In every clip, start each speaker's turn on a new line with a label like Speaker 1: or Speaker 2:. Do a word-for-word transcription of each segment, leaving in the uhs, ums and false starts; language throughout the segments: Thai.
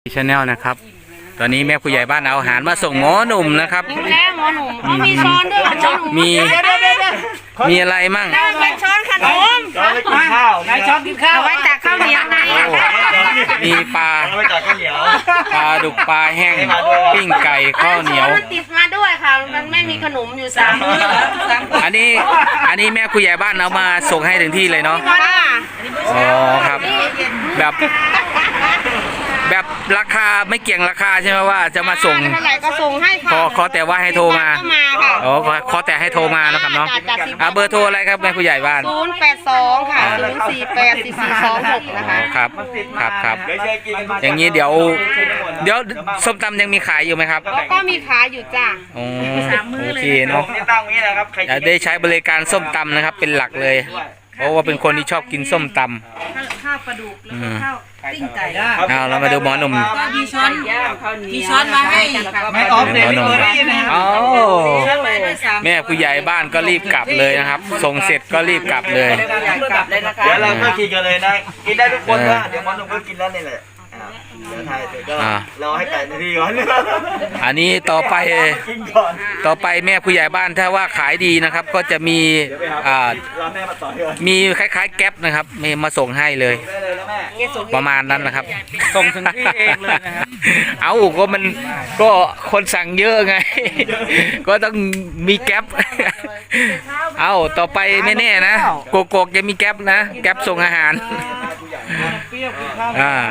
Speaker 1: ชาแนลนะครับตอนนี้แม่ผู้ใหญ่บ้านเอาอาหารมาส่งหมอหนุ่มนะครับ
Speaker 2: แล้วหมอหนุ่มเขามีช้อนด้วยหมอหนุ่ม
Speaker 1: มีมีอะไรมั่ง
Speaker 2: เป็นช้อนขนม
Speaker 3: ช้อนกินข้าวไหนช้อนกินข้าว
Speaker 2: เอาไว้ตักข้าวเหนียวไง
Speaker 1: มีปลา
Speaker 3: เอาไว้ตักข้าวเหนียว
Speaker 1: ปลาดุกปลาแห้งปิ้งไก่ข้าวเหนียว
Speaker 2: มันติดมาด้วยค่ะมันไม่มีขนมอยู่สามมื้อ
Speaker 1: อันนี้อันนี้แม่ผู้ใหญ่บ้านเอามาส่งให้ถึงที่เลยเนาะอ๋อครับแบบแบบราคาไม่เกี่ยงราคาใช่ไหมว่าจะมาส่ง
Speaker 2: เท่าไหร่ก็ส่งให้ค่ะ
Speaker 1: ขอขอแต่ว่าให้โทรมาอ๋อขอแต่ให้โทรมานะครับเนาะอ่าเบอร์โทรอะไรครับแม่ผู้ใหญ่บ้าน
Speaker 2: ศูนย์แปดสองค่ะศูนย์สี่แปดสี่สี่สองหกนะคะ
Speaker 1: ครับครับครับอย่างนี้เดี๋ยวเดี๋ยวส้มตำยังมีขายอยู่ไหมครับ
Speaker 2: ก็มีขายอยู่จ้า
Speaker 1: โอเคเนาะจะได้ใช้บริการส้มตำนะครับเป็นหลักเลยเพราะว่าเป็นคนที่ชอบกินส้มตำ
Speaker 2: ข้าวปลาดุกแล้วก็ข้าวติ้งไก่
Speaker 1: เอาเรามาดูหมอหนุ่ม
Speaker 2: ก็มีช้อนมีช้อนมาให้
Speaker 3: ไม่ออฟเดลิเวอรี่นะ
Speaker 1: อ๋อแม่ผู้ใหญ่บ้านก็รีบกลับเลยนะครับส่งเสร็จก็รีบกลับเลย
Speaker 3: เดี๋ยวเราก็กินกันเลยนะกินได้ทุกคนนะเดี๋ยวหมอหนุ่มก็กินแล้วนี่แหละเดี๋ยวไทยเสร็จก็รอให้ไก่นาทีก่อน
Speaker 1: อันนี้ต่อไปต่อไปแม่ผู้ใหญ่บ้านถ้าว่าขายดีนะครับก็จะมีอ่ามีคล้ายๆแก๊ปนะครับมีมาส่งให้เลยประมาณนั้นนะครับ
Speaker 3: ส่งถึงที่เองเลยนะครับ
Speaker 1: เอาก็มันก็คนสั่งเยอะไงก็ต้องมีแก๊ปเอาต่อไปไม่แน่นะโกโก้จะมีแก๊ปนะแก๊ปส่งอาหารอ่า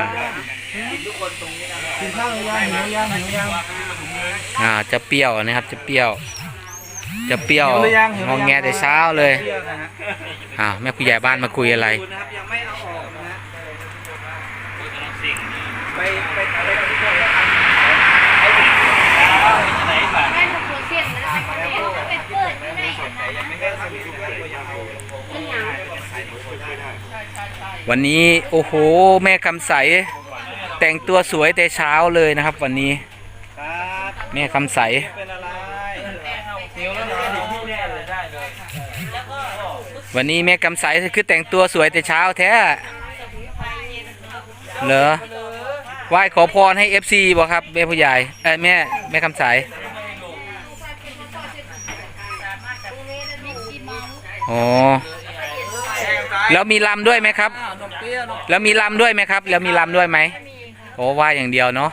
Speaker 3: กินข้าวยังหิวยังหิวยัง
Speaker 1: อ่าจะเปรี้ยวนะครับจะเปรี้ยวจะเปรี้ยวงองแงแต่เช้าเลยอ้าวแม่ผู้ใหญ่บ้านมาคุยอะไรวันนี้โอ้โหแม่คำใสแต่งตัวสวยแต่เช้าเลยนะครับวันนี้แม่คำใสวันนี้แม่คำใสคือแต่งตัวสวยแต่เช้าแท้เหรอไหว้ขอพรให้ เอฟ ซี บ่ครับแม่ผู้ใหญ่เอ้ยแม่แม่คำใสอ๋อแล้วมีลำด้วยไหมครับแล้วมีลำด้วยไหมครับแล้วมีลำด้วยไหมโอ้ว่าอย่างเดียวเนาะ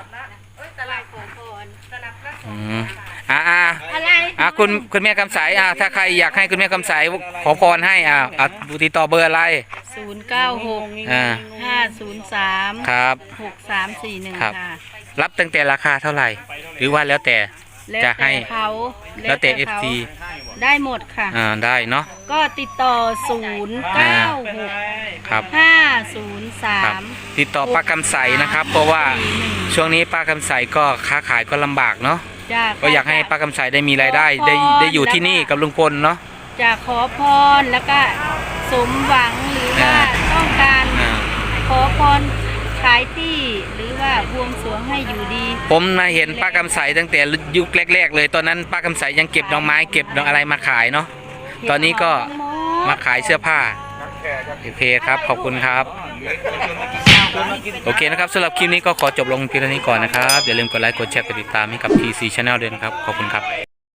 Speaker 1: อืมอ่าอ่าอ่าคุณคุณแม่คำใสอ่าถ้าใครอยากให้คุณแม่คำใสขอพรให้อ่าอ่าติดต่อเบอร์อะไร
Speaker 2: ศูนย์เก้าหก
Speaker 1: อ่า
Speaker 2: ห้าศูนย์สาม
Speaker 1: ครับ
Speaker 2: หกสามสี่หนึ่งค่ะ
Speaker 1: รับตั้งแต่ราคาเท่าไหร่หรือว่าแล้วแต่จะให้แล้วแต่ เอฟ ซี
Speaker 2: ได้หมดค่ะ
Speaker 1: อ่าได้เนาะ
Speaker 2: ก็ติดต่อศูนย์เก้าหก
Speaker 1: ครับ
Speaker 2: ห้าศูนย์สาม
Speaker 1: ติดต่อป้าคำใสนะครับเพราะว่าช่วงนี้ป้าคำใสก็ค้าขายก็ลำบากเนาะก็อยากให้ป้าคำใสได้มีรายได้ได้ได้อยู่ที่นี่กับลุงพลเนาะ
Speaker 2: จะขอพรแล้วก็สมหวังหรือว่าต้องการขอพรขายที่หรือว่าบวงสรวงให้อยู่ดี
Speaker 1: ผมมาเห็นป้าคำใสตั้งแต่ยุคแรกๆเลยตอนนั้นป้าคำใสยังเก็บดอกไม้เก็บดอกอะไรมาขายเนาะตอนนี้ก็มาขายเสื้อผ้าโอเคครับขอบคุณครับโอเคนะครับสำหรับคลิปนี้ก็ขอจบลงเพียงเท่านี้ก่อนนะครับอย่าลืมกดไลค์กดแชร์กดติดตามให้กับ ที ซี Channel ด้วยนะครับขอบคุณครับ